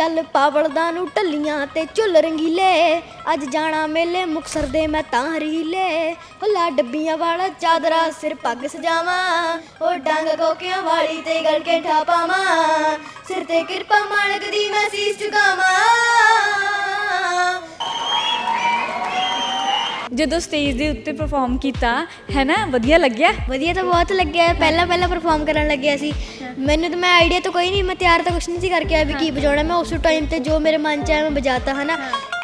ਚੱਲ ਪਾਵਲਦਾਂ ਨੂੰ ਢੱਲੀਆਂ ਤੇ ਝੁੱਲ ਰੰਗੀਲੇ ਅੱਜ ਜਾਣਾ ਮੇਲੇ ਮੁਕਤਸਰ ਦੇ ਮੈਂ ਤਾਂ ਰੀਲੇ ਹੁੱਲਾ ਡੱਬੀਆਂ ਵਾਲਾ ਚਾਦਰਾ ਸਿਰ ਪੱਗ ਸਜਾਵਾਂ ਉਹ ਡੰਗ ਕੋਕਿਆਂ ਵਾਲੀ ਤੇ ਗਲ ਕੇ ਠਾਪਾਵਾਂ ਸਿਰ ਤੇ ਕਿਰਪਾ ਮਾਲਕ ਦੀ ਮੈਂ ਸੀਸ ਝੁਕਾਵਾਂ। ਜਦੋਂ ਸਟੇਜ ਦੇ ਉੱਤੇ ਪਰਫਾਰਮ ਕੀਤਾ ਹੈ ਨਾ, ਵਧੀਆ ਲੱਗਿਆ? ਵਧੀਆ ਤਾਂ ਬਹੁਤ ਲੱਗਿਆ। ਪਹਿਲਾਂ ਪਰਫਾਰਮ ਕਰਨ ਲੱਗਿਆ ਸੀ ਮੈਨੂੰ ਤਾਂ, ਮੈਂ ਆਈਡੀਆ ਤਾਂ ਕੋਈ ਨਹੀਂ, ਮੈਂ ਤਿਆਰ ਤਾਂ ਕੁਛ ਨਹੀਂ ਸੀ ਕਰਕੇ ਆਇਆ ਵੀ ਕੀ ਵਜਾਉਣਾ। ਮੈਂ ਉਸ ਟਾਈਮ ਤੇ ਜੋ ਮੇਰੇ ਮਨ 'ਚ ਆਇਆ ਮੈਂ ਵਜਾਤਾ ਹੈ ਨਾ।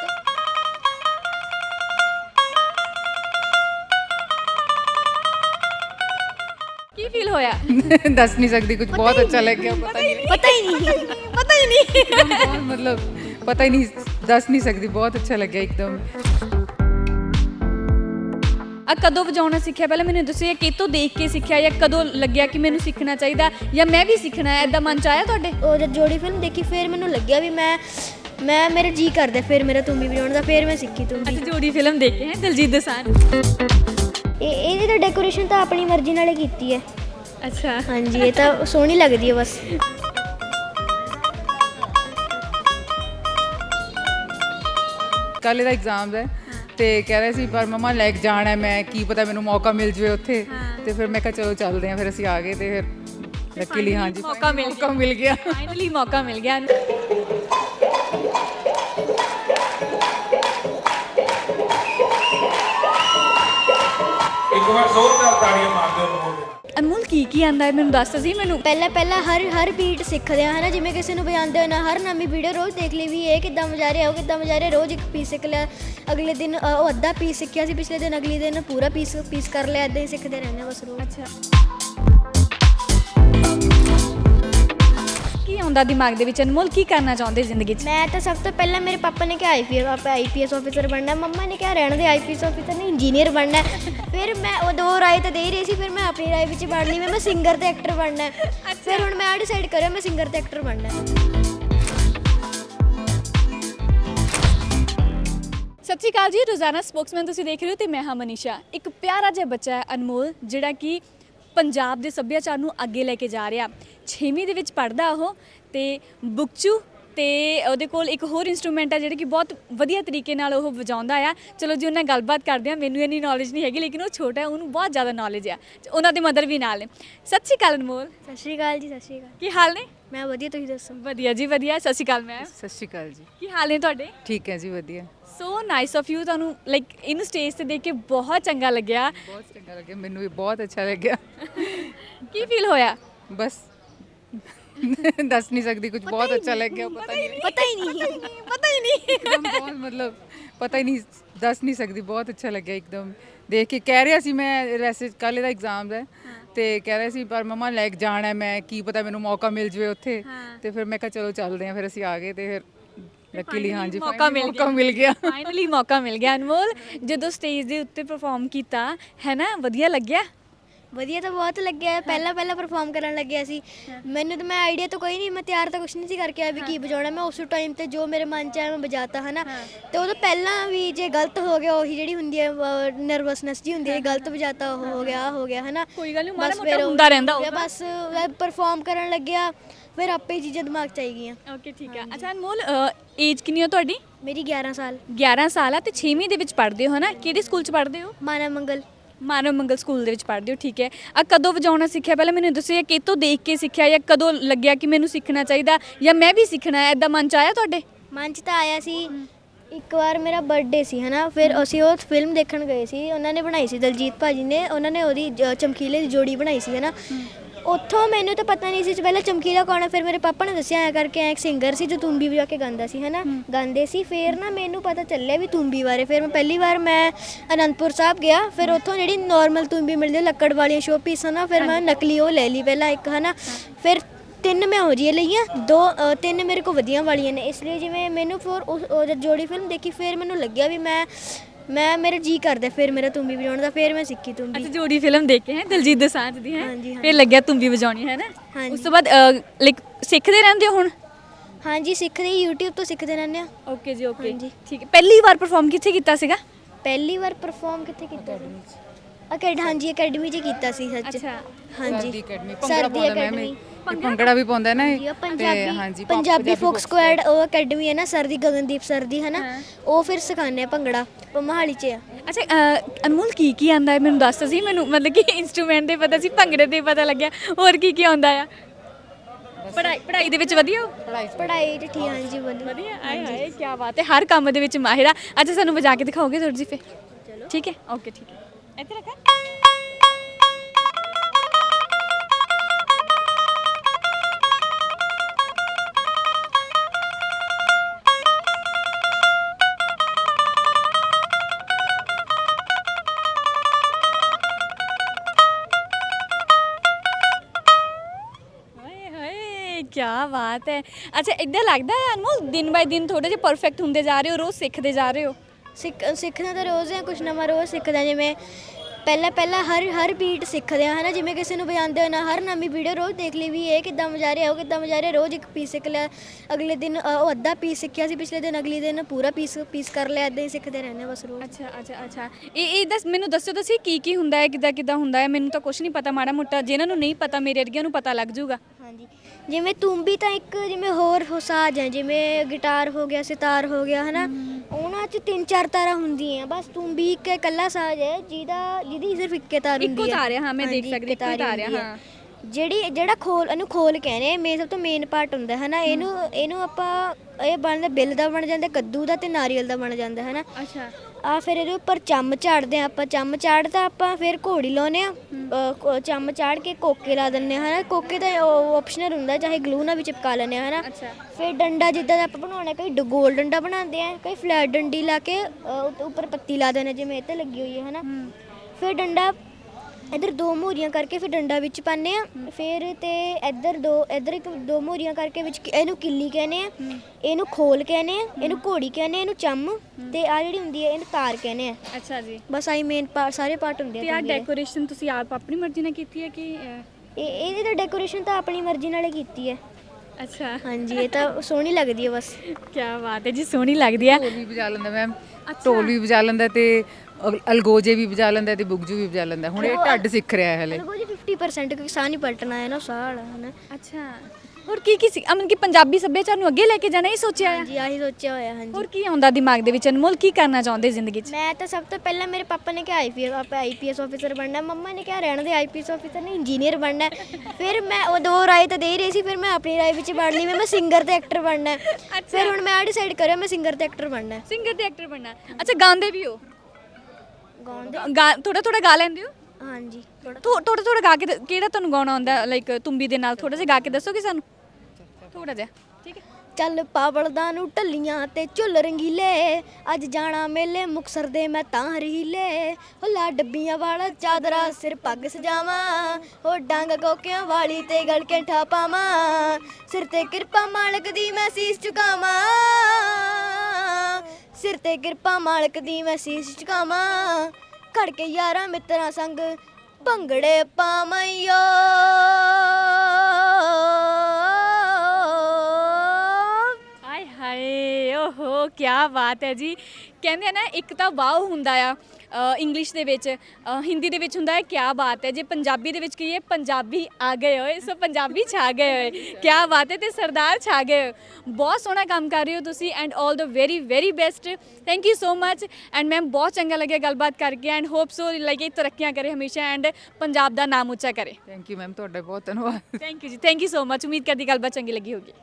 ਕੀ ਫੀਲ ਹੋਇਆ? ਦੱਸ ਨਹੀਂ ਸਕਦੀ, ਕੁਝ ਬਹੁਤ ਅੱਛਾ ਲੱਗਿਆ। ਪਤਾ ਹੀ ਨਹੀਂ ਬਹੁਤ मतलब पता ही नहीं, दस नहीं सकती, बहुत अच्छा लग गया एकदम। ਆ ਕਦੋਂ ਵਜਾਉਣਾ ਸਿੱਖਿਆ? ਪਹਿਲਾਂ ਮੈਨੂੰ ਦੱਸੋ, ਇਹ ਕਿਤੋਂ ਦੇਖ ਕੇ ਸਿੱਖਿਆ ਜਾਂ ਕਦੋਂ ਲੱਗਿਆ ਕਿ ਮੈਨੂੰ ਸਿੱਖਣਾ ਚਾਹੀਦਾ ਜਾਂ ਮੈਂ ਵੀ ਸਿੱਖਣਾ ਹੈ? ਐਦਾਂ ਮਨ ਚ ਆਇਆ ਤੁਹਾਡੇ? ਉਹ ਜਦ ਜੋੜੀ ਫਿਲਮ ਦੇਖੀ ਫਿਰ ਮੈਨੂੰ ਲੱਗਿਆ ਵੀ ਮੈਂ ਮੇਰਾ ਜੀ ਕਰਦਾ ਫਿਰ ਮੇਰਾ ਤੂੰਬੀ ਵਜਾਉਣ ਦਾ, ਫਿਰ ਮੈਂ ਸਿੱਖੀ ਤੂੰਬੀ। ਅੱਛਾ, ਜੋੜੀ ਫਿਲਮ ਦੇਖੇ ਹੈ ਦਿਲਜੀਤ ਦੋਸਾਂਝ? ਇਹਦੀ ਤਾਂ ਡੈਕੋਰੇਸ਼ਨ ਤਾਂ ਆਪਣੀ ਮਰਜ਼ੀ ਨਾਲ ਹੀ ਕੀਤੀ ਹੈ। ਅੱਛਾ, ਹਾਂਜੀ, ਇਹ ਤਾਂ ਸੋਹਣੀ ਲੱਗਦੀ ਹੈ ਬਸ। ਕੱਲ੍ਹ ਇਹਦਾ ਐਗਜ਼ਾਮ ਹੈ ਤੇ ਕਹਿ ਰਹੇ ਸੀ ਪਰ ਮਮਾ ਲੈ ਕੇ ਜਾਣਾ, ਮੈਂ ਕੀ ਪਤਾ ਮੈਨੂੰ ਮੌਕਾ ਮਿਲ ਜਵੇ ਉੱਥੇ। ਤੇ ਫਿਰ ਮੈਂ ਕਿਹਾ ਚਲੋ ਚੱਲਦੇ ਹਾਂ। ਫਿਰ ਅਸੀਂ ਆ ਗਏ ਤੇ ਫਿਰ ਲੱਕੀਲੀ ਹਾਂਜੀ ਮੌਕਾ ਮਿਲ ਗਿਆ। ਫਾਈਨਲੀ ਮੌਕਾ ਮਿਲ ਗਿਆ। ਇੱਕ ਵਾਰ ਜ਼ੋਰਦਾਰ ਤਾੜੀਆਂ ਮਾਰ ਦਿਓ ਅਨਮੋਲ ਦੇ। ਅਨਮੋਲ ਕੀ ਆਂਦਾ ਹੈ ਮੈਨੂੰ ਦੱਸ ਸੀ ਮੈਨੂੰ। ਪਹਿਲਾਂ ਹਰ ਬੀਟ ਸਿੱਖਦੇ ਆ ਹੈ ਨਾ, ਜਿਵੇਂ ਕਿਸੇ ਨੂੰ ਵਜਾਉਂਦੇ ਹੋ ਨਾ, ਹਰ ਨਵੀਂ ਵੀਡੀਓ ਰੋਜ਼ ਦੇਖ ਲਈ ਵੀ ਇਹ ਕਿੱਦਾਂ ਵਜਾ ਰਿਹਾ, ਉਹ ਕਿੱਦਾਂ ਵਜਾ ਰਿਹਾ। ਰੋਜ਼ ਇੱਕ ਪੀਸ ਸਿੱਖ ਲਿਆ, ਅਗਲੇ ਦਿਨ ਉਹ ਅੱਧਾ ਪੀਸ ਸਿੱਖਿਆ ਸੀ ਪਿਛਲੇ ਦਿਨ, ਅਗਲੇ ਦਿਨ ਪੂਰਾ ਪੀਸ ਕਰ ਲਿਆ। ਇੱਦਾਂ ਹੀ ਸਿੱਖਦੇ ਰਹਿੰਦੇ ਬਸ ਰੋਜ਼। ਅੱਛਾ, ਕੀ ਆਉਂਦਾ ਦਿਮਾਗ ਦੇ ਵਿੱਚ ਅਨਮੋਲ? ਕੀ ਕਰਨਾ ਚਾਹੁੰਦੇ ਜ਼ਿੰਦਗੀ 'ਚ? ਮੈਂ ਤਾਂ ਸਭ ਤੋਂ ਪਹਿਲਾਂ ਮੇਰੇ ਪਾਪਾ ਨੇ ਕਿਹਾ ਆਈਪੀਐਸ ਆਫਿਸਰ ਬਣਨਾ, ਮੰਮਾ ਨੇ ਕਿਹਾ ਰਹਿਣ ਦੇ ਆਈਪੀਐਸ ਆਫਿਸਰ ਨਹੀਂ ਇੰਜੀਨੀਅਰ ਬਣਨਾ। ਫਿਰ ਮੈਂ ਉਹ ਦੋ ਰਾਏ ਤਾਂ ਦੇ ਹੀ ਰਹੀ ਸੀ, ਫਿਰ ਮੈਂ ਆਪਣੀ ਰਾਏ ਵਿੱਚ ਬਣ ਲਈ ਮੈਂ ਸਿੰਗਰ ਤੇ ਐਕਟਰ ਬਣਨਾ। ਫਿਰ ਹੁਣ ਮੈਂ ਡਿਸਾਈਡ ਕਰਿਆ ਮੈਂ ਸਿੰਗਰ ਤੇ ਐਕਟਰ ਬਣਨਾ। ਸਤਿ ਸ਼੍ਰੀ ਅਕਾਲ ਜੀ, ਰੋਜ਼ਾਨਾ ਸਪੋਕਸਮੈਨ ਤੁਸੀਂ ਦੇਖ ਰਹੇ ਹੋ ਤੇ ਮੈਂ ਹਾਂ ਮਨੀਸ਼ਾ। ਇੱਕ ਪਿਆਰਾ ਜਿਹਾ ਬੱਚਾ ਹੈ ਅਨਮੋਲ, ਜਿਹੜਾ ਕਿ ਪੰਜਾਬ ਦੇ ਸੱਭਿਆਚਾਰ ਨੂੰ ਅੱਗੇ ਲੈ ਕੇ ਜਾ ਰਿਹਾ। 6ਵੀਂ ਦੇ ਵਿੱਚ ਪੜ੍ਹਦਾ ਉਹ, ਤੇ ਬੁਕਚੂ ਤੇ ਉਹਦੇ ਕੋਲ ਇੱਕ ਹੋਰ ਇੰਸਟਰੂਮੈਂਟ ਹੈ ਜਿਹੜਾ ਕਿ ਬਹੁਤ ਵਧੀਆ ਤਰੀਕੇ ਨਾਲ ਉਹ ਵਜਾਉਂਦਾ ਆ। ਚਲੋ ਜੀ, ਉਹਨਾਂ ਨਾਲ ਗੱਲਬਾਤ ਕਰਦੇ ਹਾਂ। ਮੈਨੂੰ ਇੰਨੀ ਨੌਲੇਜ ਨਹੀਂ ਹੈਗੀ, ਲੇਕਿਨ ਉਹ ਛੋਟਾ ਹੈ, ਉਹਨੂੰ ਬਹੁਤ ਜ਼ਿਆਦਾ ਨੌਲੇਜ ਆ। ਉਹਨਾਂ ਦੇ ਮਦਰ ਵੀ ਨਾਲ ਨੇ। ਸਤਿ ਸ਼੍ਰੀ ਅਕਾਲ ਅਨਮੋਲ। ਸਤਿ ਸ਼੍ਰੀ ਅਕਾਲ ਜੀ। ਸਤਿ ਸ਼੍ਰੀ ਅਕਾਲ। ਕੀ ਹਾਲ ਨੇ? ਮੈਂ ਵਧੀਆ, ਤੁਸੀਂ ਦੱਸੋ? ਵਧੀਆ ਜੀ ਵਧੀਆ। ਸਤਿ ਸ਼੍ਰੀ ਅਕਾਲ ਮੈਮ। ਸਤਿ ਸ਼੍ਰੀ ਅਕਾਲ ਜੀ। ਕੀ ਹਾਲ ਨੇ ਤੁਹਾਡੇ? ਠੀਕ ਹੈ ਜੀ, ਵਧੀਆ। So nice of you. ਤੁਹਾਨੂੰ ਲਾਈਕ ਇਹਨੂੰ ਸਟੇਜ ਤੇ ਦੇਖ ਕੇ ਬਹੁਤ ਚੰਗਾ ਲੱਗਿਆ। ਬਹੁਤ ਚੰਗਾ ਲੱਗਿਆ, ਮੈਨੂੰ ਵੀ ਬਹੁਤ ਅੱਛਾ ਲੱਗਿਆ। ਕੀ ਫੀਲ ਹੋਇਆ? ਬਸ ਦੱਸ ਨਹੀਂ ਸਕਦੀ, ਕੁਝ ਬਹੁਤ ਅੱਛਾ ਲੱਗਿਆ। ਪਤਾ ਹੀ ਨਹੀਂ ਬਹੁਤ मतलब पता ही नहीं, ਦੱਸ ਨਹੀਂ ਸਕਦੀ, ਬਹੁਤ ਅੱਛਾ ਲੱਗਿਆ ਇੱਕਦਮ ਦੇਖ ਕੇ। ਕਹਿ ਰਿਹਾ ਸੀ ਮੈਂ, ਵੈਸੇ ਕੱਲ੍ਹ ਇਹਦਾ ਐਗਜ਼ਾਮ ਹੈ ਤੇ ਕਹਿ ਰਿਹਾ ਸੀ ਪਰ ਮਮਾ ਲੈ ਕੇ ਜਾਣਾ, ਮੈਂ ਕੀ ਪਤਾ ਮੈਨੂੰ ਮੌਕਾ ਮਿਲ ਜਵੇ ਉੱਥੇ। ਤੇ ਫਿਰ ਮੈਂ ਕਿਹਾ ਚਲੋ ਚੱਲਦੇ ਹਾਂ। ਫਿਰ ਅਸੀਂ ਆ ਗਏ ਤੇ ਫਿਰ ਲੱਕੀਲੀ ਹਾਂਜੀ ਮੌਕਾ ਮਿਲ ਗਿਆ। ਫਾਈਨਲੀ ਮੌਕਾ ਮਿਲ ਗਿਆ। ਅਨਮੋਲ, ਜਦੋਂ ਸਟੇਜ ਦੇ ਉੱਤੇ ਪਰਫਾਰਮ ਕੀਤਾ ਹੈ ਨਾ, ਵਧੀਆ ਲੱਗਿਆ? ਵਧੀਆ ਤਾਂ ਬਹੁਤ ਲੱਗਿਆ। ਪਹਿਲਾਂ ਪਰਫਾਰਮ ਕਰਨ ਲੱਗਿਆ ਸੀ ਮੈਨੂੰ ਤਾਂ, ਮੈਂ ਆਈਡੀਆ ਤਾਂ ਕੋਈ ਨਹੀਂ, ਮੈਂ ਤਿਆਰ ਤਾਂ ਕੁਛ ਨਹੀਂ ਸੀ ਕਰਕੇ ਆਇਆ ਵੀ ਕੀ ਵਜਾਉਣਾ। ਮੈਂ ਉਸ ਟਾਈਮ ਤੇ ਜੋ ਮੇਰੇ ਮਨ 'ਚ ਆਇਆ ਮੈਂ ਵਜਾਤਾ ਹੈ ਨਾ। ਤੇ ਉਹ ਤੋਂ ਪਹਿਲਾਂ ਵੀ ਜੇ ਗਲਤ ਹੋ ਗਿਆ, ਉਹੀ ਜਿਹੜੀ ਹੁੰਦੀ ਹੈ ਨਰਵਸਨੈਸ ਜੀ ਹੁੰਦੀ ਹੈ, ਗਲਤ ਵਜਾਤਾ ਉਹ ਹੋ ਗਿਆ ਹੈ ਨਾ। ਕੋਈ ਗੱਲ ਨਹੀਂ, ਮਾੜਾ ਮੋਟਾ ਹੁੰਦਾ ਰਹਿੰਦਾ ਹੋਊਗਾ। ਬਸ ਪਰਫਾਰਮ ਕਰਨ ਲੱਗਿਆ, ਫਿਰ ਆਪੇ ਹੀ ਚੀਜ਼ਾਂ ਦਿਮਾਗ 'ਚ ਆਈ ਗਈਆਂ। ਓਕੇ, ਠੀਕ ਹੈ। ਅੱਛਾ ਅਨਮੋਲ, ਏਜ ਕਿੰਨੀ ਹੈ ਤੁਹਾਡੀ? ਮੇਰੀ 11 ਸਾਲ। 11 ਸਾਲ ਆ ਤੇ 6ਵੀਂ ਦੇ ਵਿੱਚ ਪੜ੍ਹਦੇ ਹੋ ਹੈ ਨਾ? ਕਿਹੜੇ ਸਕੂਲ 'ਚ ਪੜ੍ਹਦੇ ਹੋ? ਮਾਨਵ ਮੰਗਲ ਸਕੂਲ ਦੇ ਵਿੱਚ ਪੜ੍ਹਦੇ ਹੋ, ਠੀਕ ਹੈ। ਆ ਕਦੋਂ ਵਜਾਉਣਾ ਸਿੱਖਿਆ? ਪਹਿਲਾਂ ਮੈਨੂੰ ਦੱਸੋ, ਇਹ ਕਿਤੋਂ ਦੇਖ ਕੇ ਸਿੱਖਿਆ ਜਾਂ ਕਦੋਂ ਲੱਗਿਆ ਕਿ ਮੈਨੂੰ ਸਿੱਖਣਾ ਚਾਹੀਦਾ ਜਾਂ ਮੈਂ ਵੀ ਸਿੱਖਣਾ ਹੈ? ਐਦਾਂ ਮਨ 'ਚ ਆਇਆ ਤੁਹਾਡੇ? ਮਨ 'ਚ ਤਾਂ ਆਇਆ ਸੀ। ਇੱਕ ਵਾਰ ਮੇਰਾ ਬਰਥਡੇ ਸੀ ਹੈ ਨਾ, ਫਿਰ ਅਸੀਂ ਉਹ ਫਿਲਮ ਦੇਖਣ ਗਏ ਸੀ। ਉਹਨਾਂ ਨੇ ਬਣਾਈ ਸੀ, ਦਲਜੀਤ ਭਾਜੀ ਨੇ, ਉਹਨਾਂ ਨੇ ਉਹਦੀ ਚਮਕੀਲੇ ਦੀ ਜੋੜੀ ਬਣਾਈ ਸੀ ਹੈ ਨਾ। ਉੱਥੋਂ ਮੈਨੂੰ ਤਾਂ ਪਤਾ ਨਹੀਂ ਸੀ ਪਹਿਲਾਂ ਚਮਕੀਲਾ ਕੌਣ ਹੈ। ਫਿਰ ਮੇਰੇ ਪਾਪਾ ਨੇ ਦੱਸਿਆ ਐਂ ਕਰਕੇ, ਇੱਕ ਸਿੰਗਰ ਸੀ ਜੋ ਤੂੰਬੀ ਵਜਾ ਕੇ ਗਾਉਂਦਾ ਸੀ ਹੈ ਨਾ, ਗਾਉਂਦੇ ਸੀ। ਫਿਰ ਨਾ ਮੈਨੂੰ ਪਤਾ ਚੱਲਿਆ ਵੀ ਤੂੰਬੀ ਬਾਰੇ। ਫਿਰ ਮੈਂ ਪਹਿਲੀ ਵਾਰ ਮੈਂ ਅਨੰਦਪੁਰ ਸਾਹਿਬ ਗਿਆ, ਫਿਰ ਉੱਥੋਂ ਜਿਹੜੀ ਨੋਰਮਲ ਤੂੰਬੀ ਮਿਲਦੀ ਲੱਕੜ ਵਾਲੀਆਂ ਸ਼ੋ ਪੀਸ ਨਾ, ਫਿਰ ਮੈਂ ਨਕਲੀ ਉਹ ਲੈ ਲਈ ਪਹਿਲਾਂ ਇੱਕ ਹੈ ਨਾ। ਫਿਰ 3 ਮੈਂ ਉਹ ਜਿਹੀਆਂ ਲਈਆਂ, 3 ਮੇਰੇ ਕੋਲ ਵਧੀਆ ਵਾਲੀਆਂ ਨੇ। ਇਸ ਲਈ ਜਿਵੇਂ ਮੈਨੂੰ ਫਿਰ ਉਹ ਜਦ ਜੋੜੀ ਫਿਲਮ ਦੇਖੀ ਫਿਰ ਮੈਨੂੰ ਲੱਗਿਆ ਵੀ ਮੈਂ ਮੇਰਾ ਜੀ ਕਰਦਾ ਫਿਰ ਮੇਰਾ ਤੂੰਬੀ ਵਜਾਉਣ ਦਾ, ਫਿਰ ਮੈਂ ਸਿੱਖੀ ਤੂੰਬੀ। ਅੱਛਾ, ਜੋੜੀ ਫਿਲਮ ਦੇਖ ਕੇ ਹੈ ਦਿਲਜੀਤ ਦੋਸਾਂਝ ਦੀ ਹੈ? ਹਾਂਜੀ। ਫਿਰ ਲੱਗਿਆ ਤੂੰਬੀ ਵਜਾਉਣੀ ਹੈ ਨਾ। ਉਸ ਤੋਂ ਬਾਅਦ ਲਾਈਕ ਸਿੱਖਦੇ ਰਹਿੰਦੇ ਹੋ ਹੁਣ? ਹਾਂਜੀ, ਸਿੱਖਦੇ YouTube ਤੋਂ ਸਿੱਖਦੇ ਰਹਿੰਦੇ ਆ। ਓਕੇ ਜੀ, ਓਕੇ, ਹਾਂਜੀ। ਠੀਕ ਹੈ। ਪਹਿਲੀ ਵਾਰ ਪਰਫਾਰਮ ਕਿੱਥੇ ਕੀਤਾ ਸੀਗਾ? ਪਹਿਲੀ ਵਾਰ ਪਰਫਾਰਮ ਕਿੱਥੇ ਕੀਤਾ ਸੀ? ਹਾਂਜੀ, ਅਕੈਡਮੀ 'ਚ ਕੀਤਾ ਸੀ ਸੱਚ। ਅੱਛਾ, ਹਾਂਜੀ, ਸਰਦੀ ਅਕੈਡਮੀ, ਸਰਦੀ ਭੰਗੜਾ ਅਕੈਡਮੀ। ਭੰਗੜਾ ਵੀ ਪਾਉਂਦਾ ਨਾ ਜੀ, ਇਹ ਉਹ ਪੰਜਾਬੀ ਹਾਂਜੀ ਪੰਜਾਬੀ ਫੋਕ ਸਕੁਐਡ ਉਹ ਅਕੈਡਮੀ ਹੈ ਨਾ ਸਰ ਦੀ, ਗਗਨਦੀਪ ਸਰ ਦੀ ਹੈ ਨਾ, ਉਹ ਫਿਰ ਸਿਖਾਉਂਦੇ ਆ ਭੰਗੜਾ, ਉਹ ਮੋਹਾਲੀ 'ਚ ਆ। ਅੱਛਾ ਅਨਮੋਲ ਕੀ ਆਂਦਾ ਹੈ ਮੈਨੂੰ ਦੱਸ ਤਾ ਸੀ, ਮੈਨੂੰ ਮਤਲਬ ਕਿ ਇੰਸਟਰੂਮੈਂਟ ਦੇ ਪਤਾ ਸੀ, ਭੰਗੜੇ ਦੇ ਪਤਾ ਲੱਗਿਆ, ਹੋਰ ਕੀ ਆਉਂਦਾ ਆ? ਪੜ੍ਹਾਈ ਦੇ ਵਿੱਚ ਵਧੀਆ ਹੋ? ਪੜ੍ਹਾਈ 'ਚ ਠੀਕ, ਹਾਂਜੀ ਵਧੀਆ। ਵਧੀਆ, ਆਏ ਹਾਏ ਕੀ ਬਾਤ ਹੈ, ਹਰ ਕੰਮ ਦੇ ਵਿੱਚ ਮਾਹਿਰ ਆ। ਅੱਛਾ ਸਾਨੂੰ ਵਜਾ ਕੇ ਦਿਖਾਓਗੇ ਥੋੜੀ ਜਿਹੀ ਫਿਰ? ਠੀਕ ਹੈ, ਓਕੇ ਠੀਕ ਹੈ, ਇੱਥੇ ਰੱਖਾਂ। ਕੀ ਬਾਤ ਹੈ। ਅੱਛਾ ਇੱਦਾਂ ਲੱਗਦਾ ਹੈ ਅਨਮੋਲ ਦਿਨ ਬਾਏ ਦਿਨ ਥੋੜੇ ਜਿਹਾ ਪਰਫੈਕਟ ਹੁੰਦੇ ਜਾ ਰਹੇ ਹੋ, ਰੋਜ਼ ਸਿੱਖਦੇ ਜਾ ਰਹੇ ਹੋ? ਸਿੱਖਣਾ ਤਾਂ ਰੋਜ਼ ਹੈ, ਕੁਛ ਨਵਾਂ ਰੋਜ਼ ਸਿੱਖਦਾ। ਜਿਵੇਂ ਪਹਿਲਾਂ ਹਰ ਬੀਟ ਸਿੱਖਦੇ ਆ, ਹੈ ਨਾ, ਜਿਵੇਂ ਕਿਸੇ ਨੂੰ ਵਜਾਉਂਦੇ ਹੋ ਨਾ, ਹਰ ਨਵੀਂ ਵੀਡੀਓ ਰੋਜ਼ ਦੇਖ ਲਈ ਵੀ ਇਹ ਕਿੱਦਾਂ ਵਜਾ ਰਿਹਾ, ਉਹ ਕਿੱਦਾਂ ਵਜਾ ਰਿਹਾ, ਰੋਜ਼ ਇੱਕ ਪੀਸ ਸਿੱਖ ਲਿਆ। ਅਗਲੇ ਦਿਨ ਉਹ ਅੱਧਾ ਪੀਸ ਸਿੱਖਿਆ ਸੀ, ਪਿਛਲੇ ਦਿਨ ਅਗਲੇ ਦਿਨ ਪੂਰਾ ਪੀਸ ਕਰ ਲਿਆ, ਇੱਦਾਂ ਹੀ ਸਿੱਖਦੇ ਰਹਿੰਦੇ ਬਸ ਰੋਜ਼। ਅੱਛਾ ਇਹ ਦੱਸ ਮੈਨੂੰ ਦੱਸੋ ਤਾਂ ਸਹੀ ਕੀ ਹੁੰਦਾ ਹੈ, ਕਿੱਦਾਂ ਹੁੰਦਾ ਹੈ? ਮੈਨੂੰ ਤਾਂ ਕੁਝ ਨਹੀਂ ਪਤਾ, ਮਾੜਾ ਮੋਟਾ ਜਿਹਨਾਂ ਨੂੰ ਨਹੀਂ ਪਤਾ ਮੇਰੇ ਵਰਗਿਆਂ ਨੂੰ ਪਤਾ ਲੱਗ ਜਾਊਗਾ। ਹਾਂਜੀ, ਜਿਵੇਂ ਤੂੰਬੀ ਤਾਂ ਇੱਕ ਜਿਵੇਂ ਹੋਰ ਸਾਜ਼ ਹੈ, ਜਿਵੇਂ ਗਿਟਾਰ ਹੋ ਗਿਆ, ਸਿਤਾਰ ਹੋ ਗਿਆ, ਹੈ ਨਾ, ਉਹਨਾਂ 'ਚ 3-4 ਤਾਰਾਂ ਹੁੰਦੀਆਂ, ਬਸ ਤੂੰਬੀ ਇੱਕ ਇਕੱਲਾ ਸਾਜ਼ ਹੈ ਜਿਹਦੀ ਸਿਰਫ ਇੱਕੇ ਤਾਰ ਹੁੰਦੀ ਹੈ। ਇੱਕੋ ਤਾਰ ਹੈ, ਹਾਂ ਮੈਂ ਦੇਖ ਹਾਂਜੀ, ਸਕਦੀ, ਇੱਕੋ ਤਾਰ ਹੈ, ਹੁੰਦੀ ਹਾਂ। ਜਿਹੜਾ ਇਹਨੂੰ ਖੋਲ ਕਹਿੰਦੇ ਆ, ਸਭ ਤੋਂ ਮੇਨ ਪਾਰਟ ਹੁੰਦਾ ਹੈ ਨਾ, ਇਹਨੂੰ ਆਪਾਂ ਇਹ ਬਣਦਾ ਬਿੱਲ ਦਾ ਬਣ ਜਾਂਦਾ, ਕੱਦੂ ਦਾ ਤੇ ਨਾਰੀਅਲ ਦਾ ਬਣ ਜਾਂਦਾ ਹੈ ਨਾ। ਅੱਛਾ ਆ ਫਿਰ ਇਹਦੇ ਉੱਪਰ ਚੰਮ ਚਾੜਦੇ ਆ ਆਪਾਂ, ਚੰਮ ਚਾੜਦਾ ਆਪਾਂ ਫਿਰ ਘੋੜੀ ਲਾਉਂਦੇ ਆ, ਚੰਮ ਚਾੜ ਕੇ ਕੋਕੇ ਲਾ ਦਿੰਦੇ ਆ, ਹੈ ਨਾ। ਕੋਕੇ ਦਾ ਆਪਸ਼ਨਲ ਹੁੰਦਾ, ਚਾਹੇ ਗਲੂ ਨਾਲ ਵੀ ਚਿਪਕਾ ਲੈਂਦੇ ਆ, ਹੈ ਨਾ। ਅੱਛਾ ਫਿਰ ਡੰਡਾ ਜਿੱਦਾਂ ਦਾ ਆਪਾਂ ਬਣਾਉਣਾ, ਕਈ ਗੋਲ ਡੰਡਾ ਬਣਾਉਂਦੇ ਆ, ਕਈ ਫਲੈਟ ਡੰਡੀ ਲਾ ਕੇ ਉੱਪਰ ਪੱਤੀ ਲਾ ਦਿੰਦੇ, ਜਿਵੇਂ ਇਹ 'ਤੇ ਲੱਗੀ ਹੋਈ ਹੈ, ਹੈ ਨਾ। ਫਿਰ ਡੰਡਾ ਇੱਧਰ 2 ਮੋਹਰੀਆਂ ਕਰਕੇ ਫਿਰ ਡੰਡਾ ਵਿੱਚ ਪਾਉਂਦੇ ਆ, ਫਿਰ ਤੇ ਇੱਧਰ ਇੱਕ 2 ਮੋਹਰੀਆਂ ਕਰਕੇ ਵਿੱਚ ਇਹਨੂੰ ਕਿੱਲੀ ਕਹਿੰਦੇ ਆ, ਇਹਨੂੰ ਖੋਲ ਕਹਿੰਦੇ ਆ, ਇਹਨੂੰ ਘੋੜੀ ਕਹਿੰਦੇ ਆ, ਇਹਨੂੰ ਚੰਮ, ਤੇ ਆ ਜਿਹੜੀ ਹੁੰਦੀ ਹੈ ਇਹਨੂੰ ਤਾਰ ਕਹਿੰਦੇ ਆ। ਅੱਛਾ ਜੀ, ਬਸ ਆਈ ਮੇਨ ਸਾਰੇ ਪਾਰਟ ਹੁੰਦੇ ਆ। ਤੇ ਆ ਡੈਕੋਰੇਸ਼ਨ ਤੁਸੀਂ ਆਪ ਆਪਣੀ ਮਰਜ਼ੀ ਨਾਲ ਕੀਤੀ ਹੈ ਕਿ ਇਹਦੀ ਤਾਂ ਡੈਕੋਰੇਸ਼ਨ ਤਾਂ ਆਪਣੀ ਮਰਜ਼ੀ ਨਾਲ ਹੀ ਕੀਤੀ ਹੈ। ਅੱਛਾ ਹਾਂਜੀ, ਇਹ ਤਾਂ ਸੋਹਣੀ ਲੱਗਦੀ ਹੈ ਬਸ। ਕੀ ਬਾਤ ਹੈ ਜੀ, ਸੋਹਣੀ ਲੱਗਦੀ ਹੈ। ਢੋਲ ਵੀ ਵਜਾ ਲੈਂਦਾ ਮੈਮ, ਢੋਲ ਵੀ ਵਜਾ ਲੈਂਦਾ ਤੇ ਅਲਗੋਜੇ ਵੀ ਵਜਾ ਲੈਂਦਾ ਤੇ ਬੁਗਜੂ ਵੀ ਵਜਾ ਲੈਂਦਾ। ਹੁਣ ਇਹ ਢੱਡ ਸਿੱਖ ਰਿਹਾ ਹੈ ਹਲੇ। ਦੇਖੋ ਜੀ 50% ਕਿਉਂਕਿ ਸਾਹ ਨਹੀਂ ਪਲਟਣਾ ਹੈ ਨਾ, ਸਾਹ ਵਾਲਾ ਹੈ ਨਾ। ਅੱਛਾ, ਹੋਰ ਕੀ ਸੀ ਅਮਨ ਕਿ ਪੰਜਾਬੀ ਸੱਭਿਆਚਾਰ ਨੂੰ ਅੱਗੇ ਲੈ ਕੇ ਜਾਣਾ, ਇਹ ਸੋਚਿਆ ਆ? ਹਾਂਜੀ, ਆਹੀ ਸੋਚਿਆ ਹੋਇਆ। ਹਾਂਜੀ, ਹੋਰ ਕੀ ਆਉਂਦਾ ਦਿਮਾਗ ਦੇ ਵਿੱਚ ਅਨਮੋਲ, ਕੀ ਕਰਨਾ ਚਾਹੁੰਦੇ ਜ਼ਿੰਦਗੀ 'ਚ? ਮੈਂ ਤਾਂ ਸਭ ਤੋਂ ਪਹਿਲਾਂ ਮੇਰੇ ਪਾਪਾ ਨੇ ਕਿਹਾ ਆਈਪੀਐਸ ਆਫੀਸਰ ਬਣਨਾ, ਮੰਮਾ ਨੇ ਕਿਹਾ ਰਹਿਣ ਦੇ, ਆਈਪੀਐਸ ਆਫੀਸਰ ਨਹੀਂ ਇੰਜੀਨੀਅਰ ਬਣਨਾ। ਫਿਰ ਮੈਂ ਉਹ 2 ਰਾਏ ਤਾਂ ਦੇ ਹੀ ਰਹੀ ਸੀ, ਫਿਰ ਮੈਂ ਆਪਣੀ ਰਾਏ ਵਿੱਚ ਬਣ ਲਈ ਮੈਂ ਸਿੰਗਰ ਤੇ ਐਕਟਰ ਬਣਨਾ। ਫਿਰ ਹੁਣ ਮੈਂ ਡਿਸਾਈਡ ਕਰਿਆ ਮੈਂ ਸਿੰਗਰ ਤੇ ਐਕਟਰ ਬਣਨਾ। ਸਿੰਗਰ ਤੇ ਐਕਟਰ ਬਣਨਾ। ਅੱਛਾ ਗਾਉਂਦੇ ਵੀ ਹੋ? ਗਾਉਂਦੇ ਥੋੜਾ ਗਾ ਲੈਂਦੇ ਹੋ? ਹਾਂਜੀ, ਥੋੜਾ ਗਾ ਕੇ ਕਿਹੜਾ ਤੁਹਾਨੂੰ ਗਾਉਣਾ ਆਉਂਦਾ, ਲਾਈਕ ਤੁੰਬੀ ਦੇ ਨਾਲ ਥੋੜਾ ਜਿਹਾ ਗਾ ਕੇ ਦੱਸੋਗੇ ਸਾਨੂੰ ਥੋੜਾ ਜਿਹਾ? ਠੀਕ ਹੈ। ਚੱਲ ਪਾਵਲਦਾਂ ਨੂੰ ਢੱਲੀਆਂ ਤੇ ਝੁੱਲ ਰੰਗੀਲੇ, ਅੱਜ ਜਾਣਾ ਮੇਲੇ ਮੁਕਤਸਰ ਦੇ ਮੈਂ ਤਾਂ ਹਰੀਲੇ, ਹੁੱਲਾ ਡੱਬੀਆਂ ਵਾਲਾ ਚਾਦਰਾ ਸਿਰ ਪੱਗ ਸਜਾਵਾਂ, ਹੋ ਡਾਂਗ ਕੋਕਿਆਂ ਵਾਲੀ ਤੇ ਗਲ ਕੇ ਠਾਪਾਵਾਂ, ਸਿਰ ਤੇ ਕਿਰਪਾ ਮਾਲਕ ਦੀ ਮੈਂ ਸੀਸ ਝੁਕਾਵਾਂ, ਸਿਰ ਤੇ ਕਿਰਪਾ ਮਾਲਕ ਦੀ ਮੈਂ ਸੀਸ ਝੁਕਾਵਾਂ, ਖੜ ਕੇ ਯਾਰਾਂ ਮਿੱਤਰਾਂ ਸੰਗ ਭੰਗੜੇ ਪਾਵਈਓ। ਆਏ ਹਾਏ, ਓਹੋ ਕੀ ਬਾਤ ਹੈ ਜੀ। ਕਹਿੰਦੇ ਆ ਨਾ ਇੱਕ ਤਾਂ ਵਾਓ ਹੁੰਦਾ ਆ ਇੰਗਲਿਸ਼ ਦੇ ਵਿੱਚ, ਹਿੰਦੀ ਦੇ ਵਿੱਚ ਹੁੰਦਾ ਹੈ ਕੀ ਬਾਤ ਹੈ, ਜੇ ਪੰਜਾਬੀ ਦੇ ਵਿੱਚ ਕਹੀਏ ਪੰਜਾਬੀ ਆ ਗਏ ਹੋਏ, ਸੋ ਪੰਜਾਬੀ ਛਾ ਗਏ ਹੋਏ, ਕੀ ਬਾਤ ਹੈ, ਤੇ ਸਰਦਾਰ ਛਾ ਗਏ ਹੋਏ। ਬਹੁਤ ਸੋਹਣਾ ਕੰਮ ਕਰ ਰਹੇ ਹੋ ਤੁਸੀਂ and all the very best. Thank you so much and ma'am ਬਹੁਤ ਚੰਗਾ ਲੱਗਿਆ ਗੱਲਬਾਤ ਕਰਕੇ ਐਂਡ ਹੋਪ ਸੋ ਲਾਈਕ ਇਹ ਤਰੱਕੀਆਂ ਕਰੇ ਹਮੇਸ਼ਾ ਐਂਡ ਪੰਜਾਬ ਦਾ ਨਾਮ ਉੱਚਾ ਕਰੇ। ਥੈਂਕ ਯੂ ਮੈਮ, ਤੁਹਾਡਾ ਬਹੁਤ ਧੰਨਵਾਦ। ਥੈਂਕ ਯੂ ਜੀ, ਥੈਂਕ ਯੂ ਸੋ ਮਚ। ਉਮੀਦ ਕਰਦੀ ਗੱਲਬਾਤ ਚੰਗੀ ਲੱਗੀ ਹੋਗੀ।